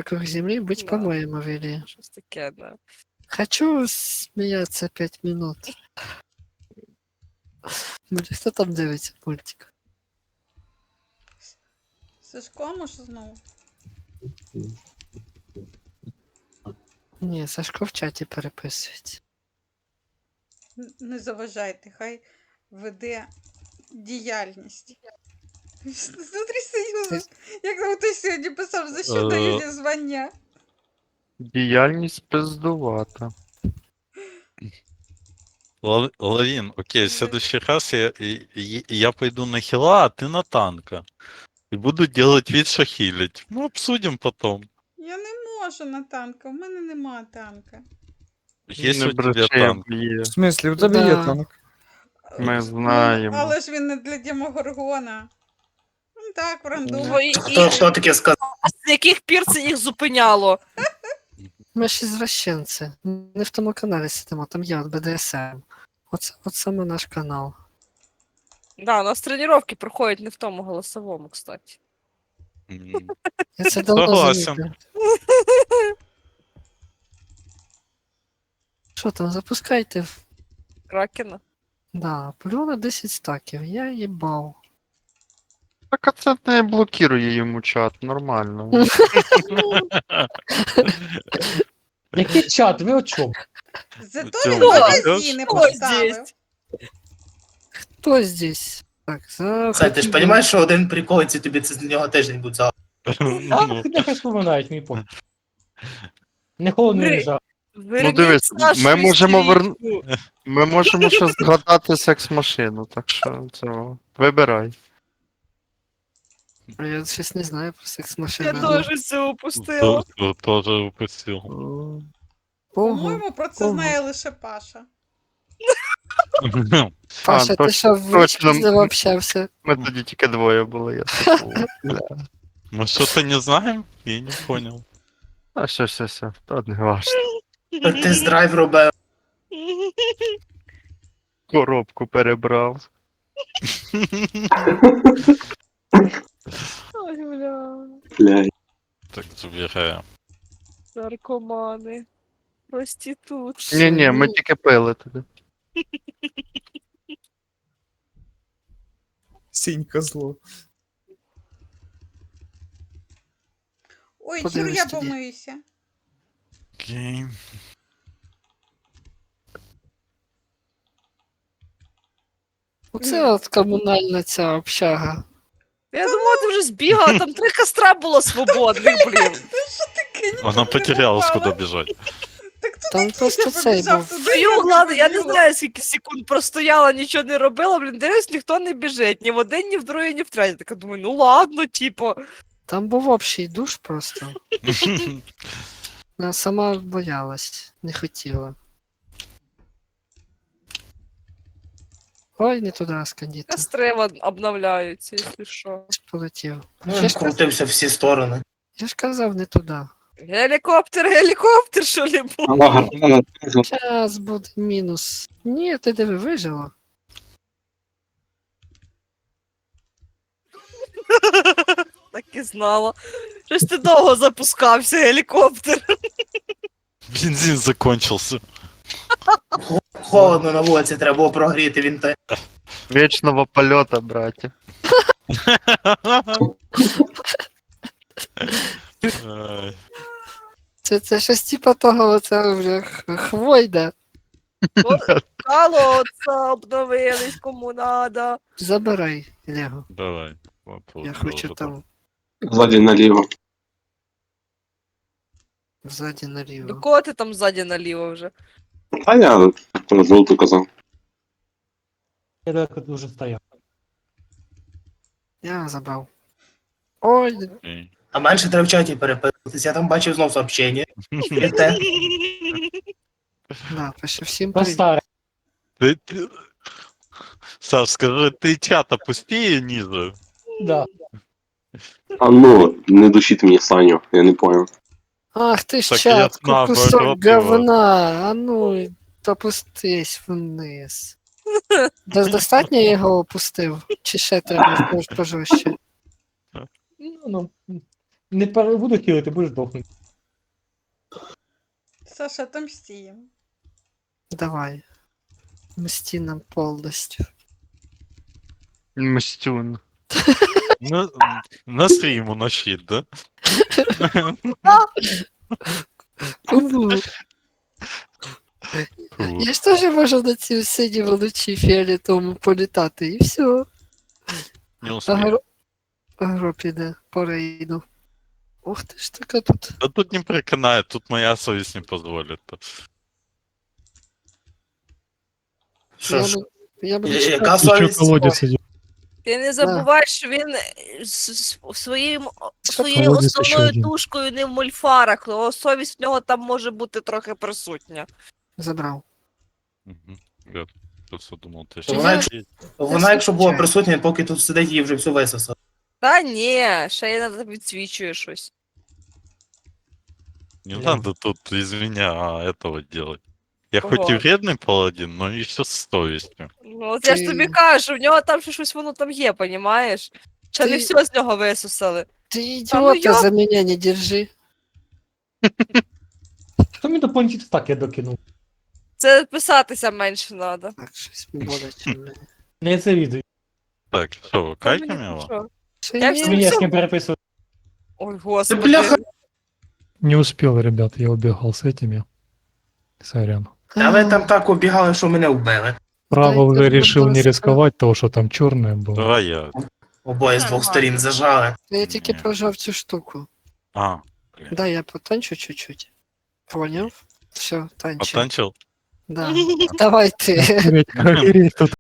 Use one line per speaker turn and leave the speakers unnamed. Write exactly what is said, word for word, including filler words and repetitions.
вокруг земли быть
Да.
по-моему вели.
Щось таке, да.
Хочу смеяться пять минут. Блин, кто там дивиться мультик?
Сашко, може знову?
Не, Сашко в чаті переписується.
Н- Не заважайте, хай веде діяльність. Смотри, Союз, як там хтось сьогодні писав, за що
Е.
дають звання.
Діяльність пиздувата.
Лав- Лавин, окей, в следующий раз я, и- и- я пойду на хила, а ты на танка. И буду делать вид, что хилить. Ну, обсудим потом.
Я не можу на танка, в мене нема танка.
Есть
Не
у тебя
бреши,
танк.
б'є.
В смислі, у тебе є
Да.
танк.
Ми
Ну,
знаємо.
але ж він не для Дімогоргона. Ну так, в рандом.
Твої
Хто,
і-
хто таке сказав?
А з яких пір це їх зупиняло?
Ми ж извращенці. Не в тому каналі сидимо, там є от Б Д С М. От, от саме наш канал.
Да, у нас тренування проходять не в тому голосовому, кстати.
М,
Я це давно
Согласен.
замітив. Що там, запускайте.
Кракена.
Да, плю на десять стаків, я їбав.
Так а це не блокирує йому чат, нормально.
Який чат? Ви о чому?
Зато
Цьому
він
відео
магазини
що
поставив.
здесь?
Хто здесь? Так, за...
Це, ти ж розумієш, що один прикол, і тобі це з нього теж не буде за.
А,
Ну,
нехай споминають, мій пофіг. Не холодно,
Гри-
не жах.
Верніть
дивись,
нашу
ми можемо
істеричку.
Ми можемо ще згадати секс-машину, так що цього. Вибирай.
Я щось не знаю про секс
Я
машину.
теж все упустила.
то- то- Тоже упустил.
Ого.
По-моєму, про це
Ого.
знає лише Паша.
Паша, ти
точно,
що в
точно.
з ним общався?
Ми тоді тільки двоє були, я типу. бля.
Мы что-то не знаем? Я не понял.
А все, все, все, то не важно.
Тест-драйв робив.
Коробку перебрав.
Ой, бля.
Так, забираем.
Наркомани. Проститутки.
Ні, ні, ми тільки пили туди.
Сінька зло.
Ой,
Подивись
Юр, я
тоді.
помиюся.
Окей.
Оце от комунальна ця общага.
Я думала, ти вже збігала, там три костра було свободних, блін.
Таке ніколи
Она
не
потерялась,
бувало.
куда бежать.
Так тут
Там
і
просто
я
цей
побіжав
був.
туди,
Стою,
я
ладно, я не
побігла.
знаю, скільки секунд простояла, нічого не робила, блін, дивись, ніхто не біжить. Ні в один, ні в другий, ні в третій. Така думаю, ну ладно, типу.
Там був общий душ просто. Вона сама боялась, не хотіла. Ой, не туди скандіта.
Костри вон обновляються, якщо що.
Полетів.
Ну,
Я
він
ж, каз-
крутився всі сторони.
я ж казав, не туди.
Гелікоптер, гелікоптер, що ли був?
Зараз буде мінус. Ні, ти диви, вижила.
Так і знала. Щось ти довго запускався, гелікоптер.
Бензин закончился.
Холодно на вулиці, треба було прогріти він те.
Вічного польота, браті.
Ай.
Це, це щось типа того, це вже х- хвойда.
Колодца обновились, кому надо.
Забирай, Лего.
Давай. вопрос
Я хочу
тоже
там
Ззаді наліво.
ззаді
До
наліво.
кого ти там ззаді наліво вже?
А я на жовту казав.
Я далеко дуже стояв.
Я забрав. Ой,
Окей.
А менше треба в чаті переписуватися. Я там бачив знов сообщення. І те.
да, пише всім привіт.
Постарай.
Ты- ты- Саш, скажи, ты чат опусти ниже.
Да.
А ну, не душіть мені Саню, я не понял.
Ах ти ж
Так я
чат,
знав,
кусок
наоборот його.
говна. А ну, опустись вниз. До- Достатньо я його опустив? Чи ще треба пож- пожорстче?
Ну, ну, не пере- буду хілити, будеш дохнути.
Саша, отомстим.
Давай. Мсти нам повністю.
Мстюн.
На, на стріму на щит, да?
Кому? Я ж теж можу на цій сині вночі фіолетовому політати, і все.
Не успію.
Агро... Агро піде по рейду. Ух ти ж така тут.
Да тут не переконає, тут моя совість не дозволить.
Що
Я,
ж,
не- я буду
я-
чекати.
яка совість?
идет.
Ти не забувай, що він е, с- с- своїм, своєю
колодязь ще
основною
один.
душкою не в мульфарах, але совість в нього там може бути трохи присутня.
Забрав.
Угу. Я просто думав, ти
Вона,
ще...
якщо- Вона, якщо була присутня, поки тут сидить, її вже все висосала.
Та ні, ще я відсвічує щось.
Не надо тут из меня этого делать. Я
Ого.
хоть и вредный паладин, но еще с совестью.
Ну, от я ж
Ти-
тобі кажу, в нього там ще щось воно там є, понімаєш? Ще не
Ти-
все з нього висусали.
Ти
Та ну
ідіота
я-
за мене не держи.
Что мне дополнительно так я докинул?
Це писатися менше треба.
Так, щось боляче. блін.
Я это виду.
Так, что, кайками его?
Ще
Я
ні.
всі-
Меня с кем переписывать.
Ой,
Ти
господи.
бляха,
Не успел, ребят, я убегал с этими. Сорян.
а ви там так обігали, що мене вбили.
Право
Дай
уже
ты,
решил не
пожалуйста.
рисковать, того, что там черное было.
Давай я.
Обоє з двох сторін зажали.
Я тільки прожав цю штуку.
А,
Дай я потанчу чуть-чуть. Поняв? Все, танчу.
потанчил?
Да. Давай ти.
Охереть, охереть тут.